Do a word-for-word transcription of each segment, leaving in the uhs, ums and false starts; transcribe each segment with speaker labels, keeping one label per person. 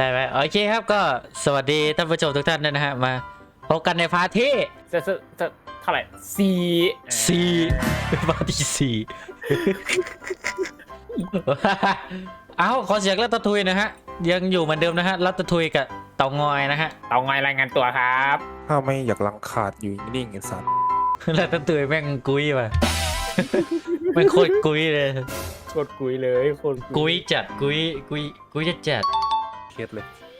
Speaker 1: ได้ไหมโอเคครับก็สวัสดีท่านผู้ชมทุกท่านด้วยนะฮะมาพบกันในพาร์ทที่
Speaker 2: จะจะจะเท่าไหร่สี่
Speaker 1: สี่พาร์ทที่สี่ เอ้าขอเสียงรัตทุยนะฮะยังอยู่เหมือนเดิมนะฮะรัตทุยกับเต่างอยนะฮะ
Speaker 2: เตางอยรายงานตัวครับ
Speaker 3: ถ้าไม่อยากลังขาดอยู่นิ่งๆไอ้สัตว์
Speaker 1: รัตทุยแม่งกุยว่ะ แม่งโคตรกุยเลย
Speaker 2: โคตรกุยเลยโคตร
Speaker 1: กุยจัดกุยกุยกุยจะจัด
Speaker 3: เครียดเลย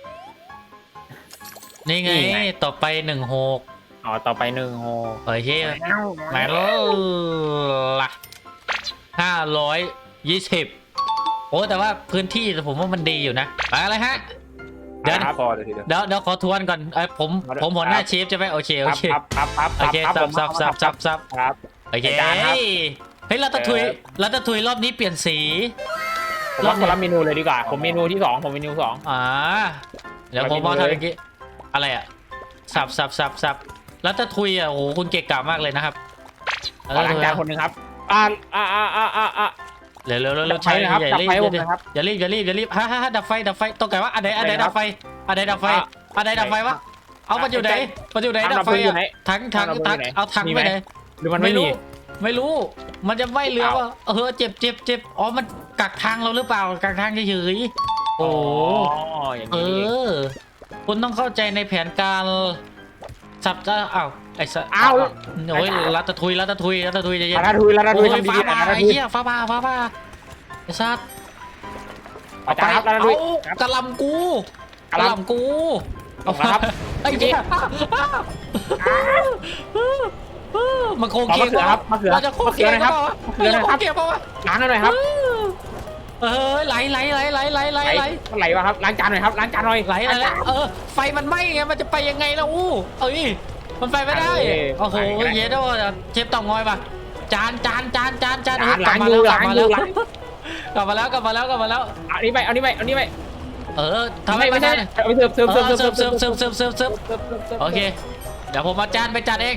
Speaker 1: นี่ไงต่อไปหนึ่งหก
Speaker 2: อ๋อต่อไปหนึ่งโฮ
Speaker 1: โอเคมาแล้วล่ะห้าร้อยยี่สิบโอ้แต่ว่าพื้นที่ผมว่ามันดีอยู่นะอะไรฮะเดี๋ยว
Speaker 3: พอเลยทีเดียว
Speaker 1: เดี๋ยวเดี๋ยวขอทวนก่อนเอ้ยผมผมหัวหน้าเชฟใช่ไหมโอเคโอเค
Speaker 2: ครับครับครับ
Speaker 1: โอเคซับซับซับซับซับ
Speaker 2: ครับ
Speaker 1: โอเคเฮ้ยรัตทุยรัตทุยรอบนี้เปลี่ยนสี
Speaker 2: ผมว่าคนละเมนูเลยดีกว่าผมเมนูที่สองผมเมนูสอง
Speaker 1: อ่าเดี๋ยวผมมาทำเมื่อกี้อะไรอ่ะสับสับสับสับรัตทุยอ่ะโอ้โหคุณเก่งกาจมากเลยนะครับ
Speaker 2: ขอล้างจานคนหนึ่งครับอ่าอ่าอ่าอ่าอ่าอ่า
Speaker 1: เร็วเร็วเร็วเร็วใช้
Speaker 2: นะครับ
Speaker 1: อย่ารีบ
Speaker 2: ดับไฟผมนะครับ
Speaker 1: อย่ารีบอย่ารีบอย่ารีบฮ่าฮ่าดับไฟดับไฟต้องไงวะอันไหนอันไหนดับไฟอันไหนดับไฟอันไหนดับไฟวะเอามันอยู่ไหนมันอยู่ไหนดับไฟอ่ะถังถังถังเอาถังไปไหน
Speaker 2: หรือมันไม่มี
Speaker 1: ไม่รู้มันจะไม่เรือว่าเออเจ็บเจ็บเจ็บอ๋อมันกักทางเราหรือเปล่ากักทางเฉยๆโอ้
Speaker 2: อย่าง
Speaker 1: เอ
Speaker 2: นี้
Speaker 1: อคุณต้องเข้าใจในแผนการสับจะอ้าวไอ้สัตว์
Speaker 2: อ้าว
Speaker 1: โอ้ยรัตทุยรัตทุยรัตทุยจะเย็น
Speaker 2: ลาดาทุยลาดาทุ
Speaker 1: โอ้
Speaker 2: ย
Speaker 1: ย
Speaker 2: ทำดี
Speaker 1: ฟ้า
Speaker 2: ๆ
Speaker 1: ผ่า
Speaker 2: ลาดา
Speaker 1: ไอ้
Speaker 2: ทุย
Speaker 1: เหี้ยฟ้าผ่าฟ้าผ่าไอ้สัตว์
Speaker 2: เอาจานครับลาดาทุย
Speaker 1: เอากระหลำกู
Speaker 2: ก
Speaker 1: ก
Speaker 2: ระ
Speaker 1: ระ
Speaker 2: ห
Speaker 1: ห
Speaker 2: ล่ำ
Speaker 1: ลำกู
Speaker 2: เอาครับ
Speaker 1: ไอ้เหี้ยมันโคง
Speaker 2: ขอ
Speaker 1: เกีย
Speaker 2: มะเขือครับมะเขือ
Speaker 1: เราจะโคงเกียร์
Speaker 2: มะเขือนะครับ
Speaker 1: เราจะโคงเกียร์เปล่าวะ
Speaker 2: ล้างหน่อยครับ
Speaker 1: เออไหลไหลไหลไหลไหลไหลไหล
Speaker 2: ไหลวะครับล้างจานหน่อยครับล้างจานหน่อย
Speaker 1: ไหลไหลเออไฟมันไหม้ไงมันจะไปยังไงล่ะอู้เอ้ยมันไปไม่ได้โอ้โหเย็ดด้วยเชฟเต่างอยป่ะจานจานจานจานจานกลับมาแล้วกลับมาแล้วกลับมาแล้วกลับมาแล้วกลับมาแล้ว
Speaker 2: เอานี้ไปเอานี้ไปเอานี้ไป
Speaker 1: เออทำ
Speaker 2: ไม่
Speaker 1: ให้
Speaker 2: ไม่
Speaker 1: ไม่
Speaker 2: ใช่
Speaker 1: ได้
Speaker 2: เอาไปเสิร์ฟเสิร์ฟ
Speaker 1: เอ
Speaker 2: เสิร์ฟ
Speaker 1: อ
Speaker 2: เสิร์ฟ
Speaker 1: เสิร์ฟเสิร์ฟเสิร์ฟเสิร์ฟเสิร์ฟเสิร์ฟโอเคเดี๋ยวผมเอาจานไปจัดเอง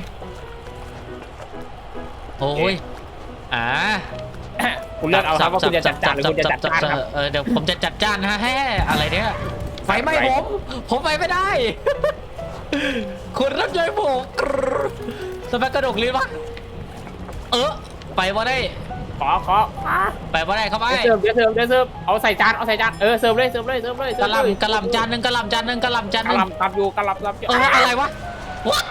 Speaker 1: โอ้ยอ่า
Speaker 2: คุณเลือกเอาครับว่าคุณจะจัดจานหรือคุณจะจัดจานครับ
Speaker 1: เออเดี๋ยวผมจะจัดจานฮะแฮ่อะไรเนี่ยไฟไหม้ผม ผมไปไม่ได้ คุณรับใจผมสเปกกระดกลิ้นวะเออไปว่าได้
Speaker 2: ขอขอมา
Speaker 1: ไปว่าได้เข้าไป
Speaker 2: เสิร์ฟเดี๋ยวเสิร์ฟเดี๋ยวเสิร์ฟเอาใส่จานเอาใส่จานเออเสิร์ฟเลยเสิร์ฟเลยเสิร์ฟเลย
Speaker 1: กระหลำกระหลำจานหนึ่งกระหลำจานหนึ่งกระหลำจานห
Speaker 2: กระ
Speaker 1: นึ่ง
Speaker 2: ลำตับอยู่กระลำตับอยู่
Speaker 1: เอออะไรวะวะ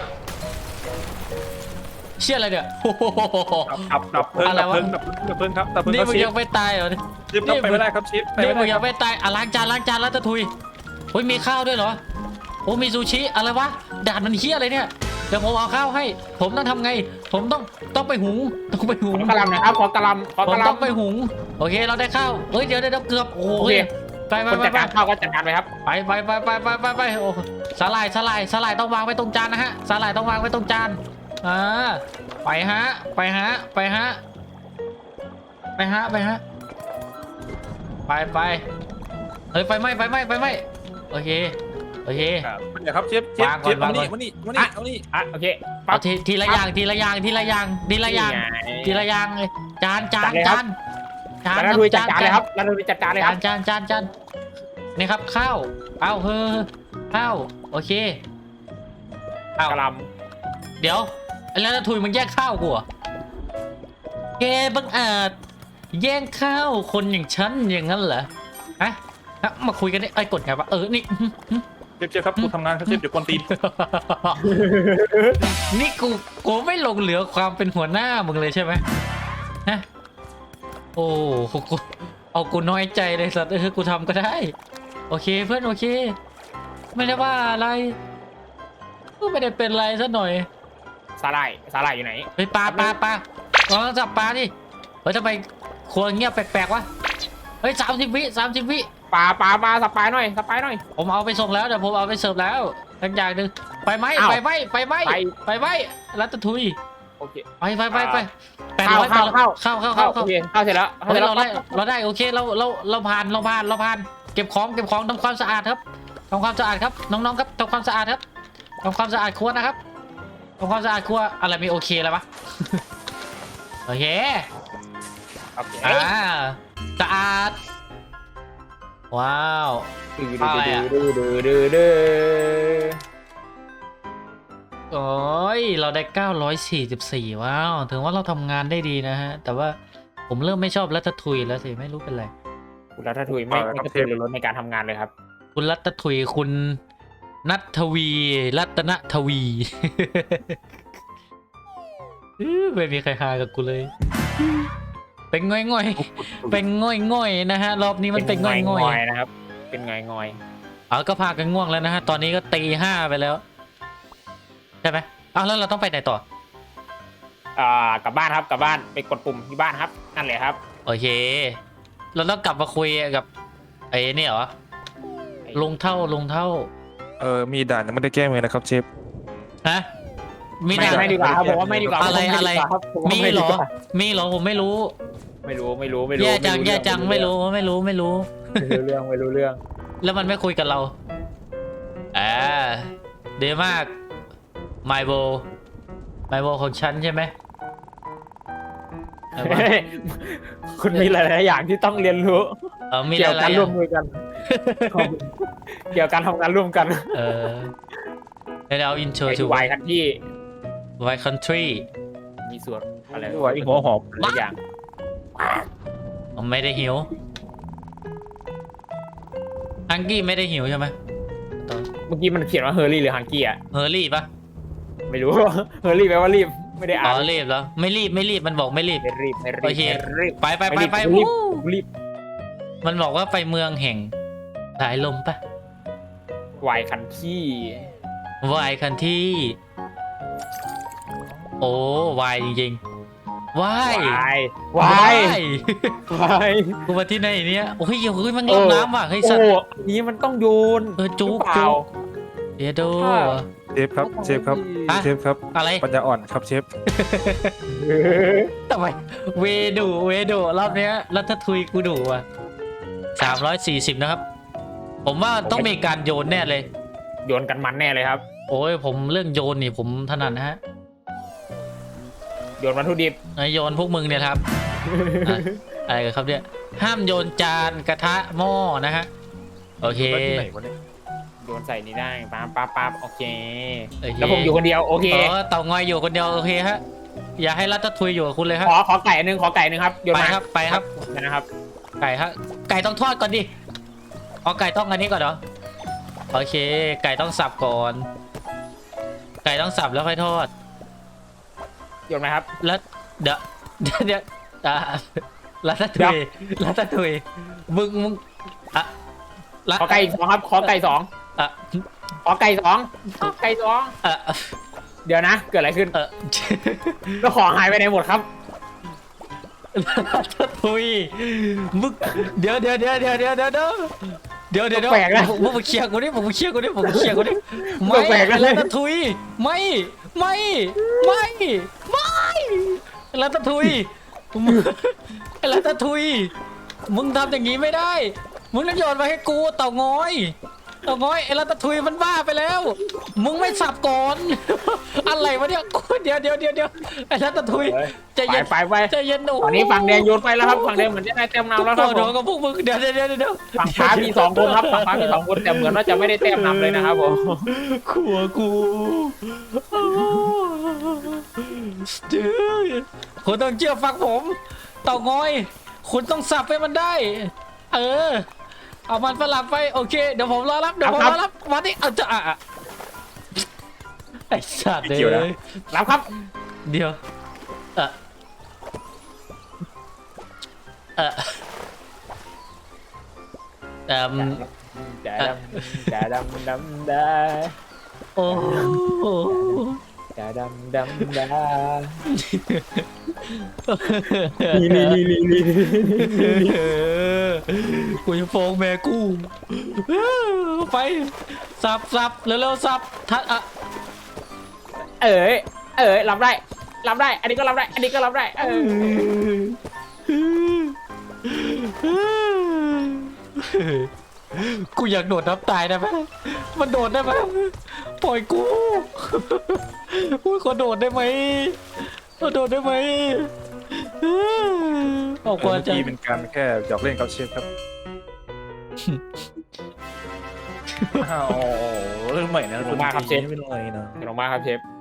Speaker 1: เชื่ออะไรเนี่ย
Speaker 3: ดับดับเพลิง
Speaker 1: อะไร
Speaker 3: ดับ
Speaker 1: วะ
Speaker 3: เพลิงดับเพลิงดับเพลิงครับดับเพลิง
Speaker 1: นี่
Speaker 3: ครับ
Speaker 1: มึง
Speaker 3: เช
Speaker 1: ยั
Speaker 3: ฟ
Speaker 1: งไม่ตายเหรอ
Speaker 3: เชฟต้องไปไม่ได้ครับเชฟไป
Speaker 1: นี่
Speaker 3: ไม่
Speaker 1: มึง
Speaker 3: ได้
Speaker 1: ยังไม่ตายอ่ะล้างจานล้างจานแล้วตะทุยโอ้ยมีข้าวด้วยเหรอโอ้มีซูชิอะไรวะด่านมันเฮี้ยอะไรเนี่ยเดี๋ยวผมเอาข้าวให้ ผมต้องทำไง ผมต้องต้องไปหุงต้องไปหุง
Speaker 2: ขอกระลำหน่อยครับขอกระลำขอ
Speaker 1: ผ
Speaker 2: ก
Speaker 1: ม
Speaker 2: ระ
Speaker 1: ต้องไป
Speaker 2: ลำ
Speaker 1: หุงโอเคเราได้ข้าวเฮ้ยเดี๋ยวเดี๋ยวเกือบโอ้
Speaker 2: โอเค
Speaker 1: ยไปไป
Speaker 2: คน
Speaker 1: ไป
Speaker 2: จัด
Speaker 1: ไป
Speaker 2: การข้าวก็จัดการไปครับ
Speaker 1: ไปไปไปไปไปไปไปโอ้สาหร่ายสาหร่ายสาหร่ายต้องวางไว้ตรงจานนะฮะสาหร่ายต้องวางไว้ตรงจานอ่าไปฮะไปฮะไปฮะไปฮะไปฮะไปไปเฮ้ยไฟไหม้ไฟไหม้ไฟไหม้โอเคโอเค
Speaker 3: ครับเดี๋ยวครับเชฟเชฟ
Speaker 1: วางก่
Speaker 3: เช
Speaker 1: อน
Speaker 3: ฟเอานี่
Speaker 1: วางก่อน
Speaker 3: มานี่มานี่เอานี่
Speaker 2: อ่ะโอเค
Speaker 1: เอาทีทีละอย่างทีละอย่างทีละอย่างทีละอย่างทีละอย่างเลยจานจานจานจาน
Speaker 2: ลาดาทุยจัดการเลยครับลาดาทุยจัดการเลยค
Speaker 1: จา
Speaker 2: รั
Speaker 1: น
Speaker 2: บ
Speaker 1: จานจานจานนี่ครับข้าวเอาเฮ้อข้าวโอเคเอา
Speaker 2: กระล
Speaker 1: เดี๋ยวแล้วถุยมึงแย่งข้าวกูเหรอแกบังอาจแย่งข้าวคนอย่างฉันอย่างนั้นเหรอฮะฮะมาคุยกันได้ไอ้ยกดไงวะเออนี่
Speaker 3: เชฟเชฟครับกูทำงานครับเชฟเดี๋ยวกวนตีน
Speaker 1: นี่กูกูไม่ลงเหลือความเป็นหัวหน้ามึงเลยใช่ไหมฮะโอ้กูเอากูน้อยใจเลยสัตว์เออกูทำก็ได้โอเคเพื่อนโอเค ไม่ได้ว่าอะไรก็ไม่ได้เป็นไรซะหน่อย
Speaker 2: ำสาหร่ายสาหร่ายอยู่ไหน
Speaker 1: เฮ้ยปลาปลาปลาลองจับปลาดิเฮ้ยทำไมครัวเงียบแปลกๆวะเฮ้ยสามสิบวิสามสิบวิ
Speaker 2: ปลาปลาปลาสปายหน่อยสปายหน่อย
Speaker 1: ผมเอาไปส่งแล้วเดี๋ยวผมเอาไปเสิร์ฟแล้วทั้งอย่างหนึ่งไปไหม
Speaker 2: อ้าว
Speaker 1: ไปไหมไปไหม
Speaker 2: ไป
Speaker 1: ไปไหมรัตทุย
Speaker 2: โอเค
Speaker 1: ไปไปไปไปแปด
Speaker 2: เข้า
Speaker 1: ร้อย
Speaker 2: เข้า
Speaker 1: เข้าเข้า
Speaker 2: เข้า
Speaker 1: เข้า
Speaker 2: โอ
Speaker 1: เข้า
Speaker 2: เคเข้าเสร็จแล้วเข้า
Speaker 1: เฮ้
Speaker 2: เสร็
Speaker 1: ย
Speaker 2: จแล้ว
Speaker 1: เราได้เราได้โอเคเราเราเราผ่านเราผ่านเราผ่านเก็บของเก็บของทำความสะอาดครับทำความสะอาดครับน้องๆครับทำความสะอาดครับทำความสะอาดครัวนะครับทำความสะอาดครัวอะไรมีโอเคแล้วปะ โอเค
Speaker 2: โอเค
Speaker 1: อ่าสะอาดโว้าว
Speaker 2: ดื้อ
Speaker 1: อะไรอะ
Speaker 2: ดื้อดื้อดื้อดื้อ
Speaker 1: โอ้ยเราได้เก้าร้อยสี่สิบสี่ว้าวถึงว่าเราทำงานได้ดีนะฮะ แต่ว่าผมเริ่มไม่ชอบรัตทุยแล้วสิไม่รู้เป็นไร
Speaker 2: คุณรัฐทุยไม่ไม่กระตือรือร้นในการทำงานเลยครับ
Speaker 1: คุณรัตทุยคุณนัททวีรัตนทวี อื้อไม่มีใครหากับกูเลย เป็นง่อยง่อยๆเป็นง่อยง่อยๆนะฮะรอบนี้มันเป็นง่อยง่อย
Speaker 2: ๆนะครับ เป็นงอยงอย
Speaker 1: ๆเอาก็พากันง่วงแล้วนะฮะตอนนี้ก็ตีห้าไปแล้วใช่ไหมอ้าวแล้วเราต้องไปไหนต่อ
Speaker 2: ๆอ่ากลับบ้านครับกลับบ้านไปกดปุ่มที่บ้านครับนั่นแหละครับ
Speaker 1: โอเค เราต้องกลับมาคุยกับไอ้เนี่ยเหรอลุงเท่าลุงเท่า
Speaker 3: เออมีด่านยังไม่ได้แก้เลยนะครับเชฟ
Speaker 1: ฮะมี
Speaker 2: ไม่
Speaker 1: ด่าน
Speaker 2: ไม่ดีกว่าครับผมว่าไม่ดีกว่า
Speaker 1: อะไร
Speaker 2: ผมว่า
Speaker 1: อะไร
Speaker 2: ดีกว่าครับผว่า
Speaker 1: มี
Speaker 2: ไดี
Speaker 1: เหรอ
Speaker 2: กว่า
Speaker 1: มีเหรอผมไม่รู้
Speaker 2: ไม่รู้ไม่รู้ไม่รู้
Speaker 1: แย่จัง
Speaker 2: ไม่รู้
Speaker 1: แย่จังไม่รู้ไม่รู้ไม่รู้
Speaker 2: ไม่รู้เรื่องไม่รู้เรื่อง
Speaker 1: แล้วมันไม่คุยกับเราอ่าดีมากไมโบไมโบของฉันใช่ไหมอะไรวะ
Speaker 2: คุณมีหลายๆอย่างที่ต้องเรียนรู้
Speaker 1: เออมี
Speaker 2: เกี่ยว
Speaker 1: อะไร
Speaker 2: กับการร่วมมือกัน เกี่ยวกับการทำงานร่วมกัน
Speaker 1: เออเดี๋ยวเอา intro
Speaker 2: ไอ้
Speaker 1: to
Speaker 2: วายครับที่
Speaker 1: White Country
Speaker 2: มีส่วนอะไร
Speaker 3: หัวหัวหอบ
Speaker 2: หลายอย่าง
Speaker 1: ผมไม่ได้หิวฮังกี้ไม่ได้หิวใช่ไหมตอน
Speaker 2: เมื่อกี้มันเขียนว่าเฮอร์รี่หรือฮังกี้อ่ะ
Speaker 1: เฮอร์รี่ปะ
Speaker 2: ไม่รู้ เฮอร์รี่แปลว่ารีบไม่ได้
Speaker 1: อ๋
Speaker 2: อ่า
Speaker 1: อน รีบแล้วไม่รีบไม่รีบมันบอกไม่รีบ
Speaker 2: ไม่รีบไม่รีบ
Speaker 1: โอเค
Speaker 2: ไม่รีบ
Speaker 1: ไปไปไป
Speaker 2: ไม่รีบ
Speaker 1: ไป
Speaker 2: ไม่รีบ
Speaker 1: วู้
Speaker 2: รีบ
Speaker 1: มันบอกว่าไปเมืองแห่งสายลมปะ
Speaker 2: วายคันที่
Speaker 1: วายคันที่โอ้วายจริงๆวายว
Speaker 2: ายวายวาย
Speaker 1: กูมาที่ไหนเนี่ยโอ้ยเฮ้ยมัน
Speaker 2: โอ้
Speaker 1: ลงน้ำว่ะเฮ้ย
Speaker 2: โอ้
Speaker 1: สัตว์
Speaker 2: อันนี้มันต้องโยน
Speaker 1: เออจุก
Speaker 2: หรือเปล่า
Speaker 1: จุกเดี๋ยวดู
Speaker 2: ถ้า
Speaker 3: เชฟครับเชฟครับ
Speaker 1: ฮะ
Speaker 3: เชฟครับ
Speaker 1: อะไร
Speaker 3: ปัญญาอ่อนครับเชฟ
Speaker 1: ทำไมเวดูเวดูรอบเนี้ยรัฐทุยกูดูว่ะสามร้อยสี่สิบนะครับ ผมว่าต้องมีการโยนแน่เลย
Speaker 2: โยนกันมันแน่เลยครับ
Speaker 1: โอ้ยผมเรื่องโยนนี่ผมถนัดนะฮะ
Speaker 2: โยนวัตถุดิบ
Speaker 1: ไอโยนพวกมึงเนี่ยครับ อ่ะอะไรกันครับเนี่ยห้ามโยนจานกระทะหม้อนะฮะโอเค
Speaker 3: ไปที่ไหนวะเนี่ย
Speaker 2: โยนใส่นี่ได้ปั๊บปั๊บปั๊บโอเค
Speaker 1: โอเค
Speaker 2: แล้วผมอยู่คนเดียวโอเค
Speaker 1: เออเต่างอยอยู่คนเดียวโอเคฮะอย่าให้รัฐทุยอยู่กับคุณเลยครับ
Speaker 2: ขอขอไก่อันหนึงขอไก่อันหนึงครับโยน
Speaker 1: ไป
Speaker 2: มา
Speaker 1: ครับไปครับ
Speaker 2: นะครับ
Speaker 1: ไก่ฮะไก่ต้องทอดก่อนดิเอาไก่ต้องอันนี้ก่อนเหรอโอเค ไก่ต้องสับก่อน ไก่ต้องสับแล้วค่อยทอด
Speaker 2: โยนมาครับ
Speaker 1: แล้วเดี๋ยวเดี๋ยวเดี๋ยวอ่ารัตทุยรัตทุยมึงมึงอ่ะละ
Speaker 2: ขอไก่อีกสองครับขอไก่สอง
Speaker 1: อ่ะ
Speaker 2: ขอไก่สองขอไก่สอง
Speaker 1: อ่ะ
Speaker 2: เดี๋ยวนะเกิดอะไรขึ้น
Speaker 1: เออ
Speaker 2: แล้วของหายไปไหนหมดครับ
Speaker 1: รัตทุยมึงเดี๋ยวเดี๋ยวเดี๋ยวเดี๋ยวเดี๋ยวเดี๋ยวเดี๋ยวเดี๋ยวเดี๋ยวเดี๋ยว
Speaker 2: แปลกนะ
Speaker 1: มึงมาเคลียร์กูดิมึงมาเคลียร์กูดิมึงมาเคลียร์กูดิไม่
Speaker 2: แปลกนะ
Speaker 1: รัตทุยไม่ไม่ไม่ไม่รัตทุยมึงรัตทุยมึงทำอย่างนี้ไม่ได้มึงต้องโยนมาให้กูเต่างอยเต่างอยไอ้รัตทุยมันบ้าไปแล้ว มึงไม่สับก่อน อะไรวะเนี่ยกูเดี๋ยวเดี๋ยวเดี๋ยวเดี๋ยวไอ้รัตทุยใจ
Speaker 2: ไป
Speaker 1: เย็น
Speaker 2: ไปไป
Speaker 1: ใจเย็นโอ้
Speaker 2: ตอนนี้ฝั่งแดงโยนไปแล้วครับฝั่งแดงเหมือนจะได้เต็มนำแล้วครับ
Speaker 1: โด
Speaker 2: ผม
Speaker 1: นกับพวกมึงเดี๋ยวเดี๋ยวเดี๋ยวเดี๋ยว
Speaker 2: ฝั่งฟ้ามีสองคนครับฝั่งฟ้ามีสองคนแต่เหมือนว่าจะไม่ได้เต็มนำเลยนะครับผม
Speaker 1: ขัวกูเดี๋ยวคุณต้องเชื่อฟังผม เต่างอย คุณต้องสับให้มันได้ เออ เอามันฝรั่งไปโอเคเดี๋ยวผมรอรับเดี๋ยวผมรอรับมาดิเอาจะอ่ะไอ้สัตว์เลย
Speaker 2: รับครับ
Speaker 1: เดี๋ยวเออเออเอ่ม
Speaker 2: ดาดำดาดำดำดา
Speaker 1: โอ้โห
Speaker 2: ดาดำดำดาลีลีลีลีลี
Speaker 1: กูจะฟ้องแม่กูไปสับสับเร็วๆสับทัดอ่ะ
Speaker 2: เอ๋ยเอ๋ยรับได้รับได้ อันนี้ก็รับได้ อันนี้ก็รับได้เออ
Speaker 1: กูอยากโดดน้ำตายได้ไหมมันโดดได้ไหมปล่อยกูกูขอโดดได้ไหมขอโดดได้ไหมออก
Speaker 3: เมื่
Speaker 1: มา
Speaker 3: อ
Speaker 1: จาก
Speaker 3: กี้เป็นการแค่หยอกเล่นกับเชฟครับอ้าวเรื่องใหม่นะ
Speaker 2: ขอบคุณมากครับเชฟ
Speaker 3: ไม่เป็นไรนะ
Speaker 2: ขอบคุณมากครับเชฟ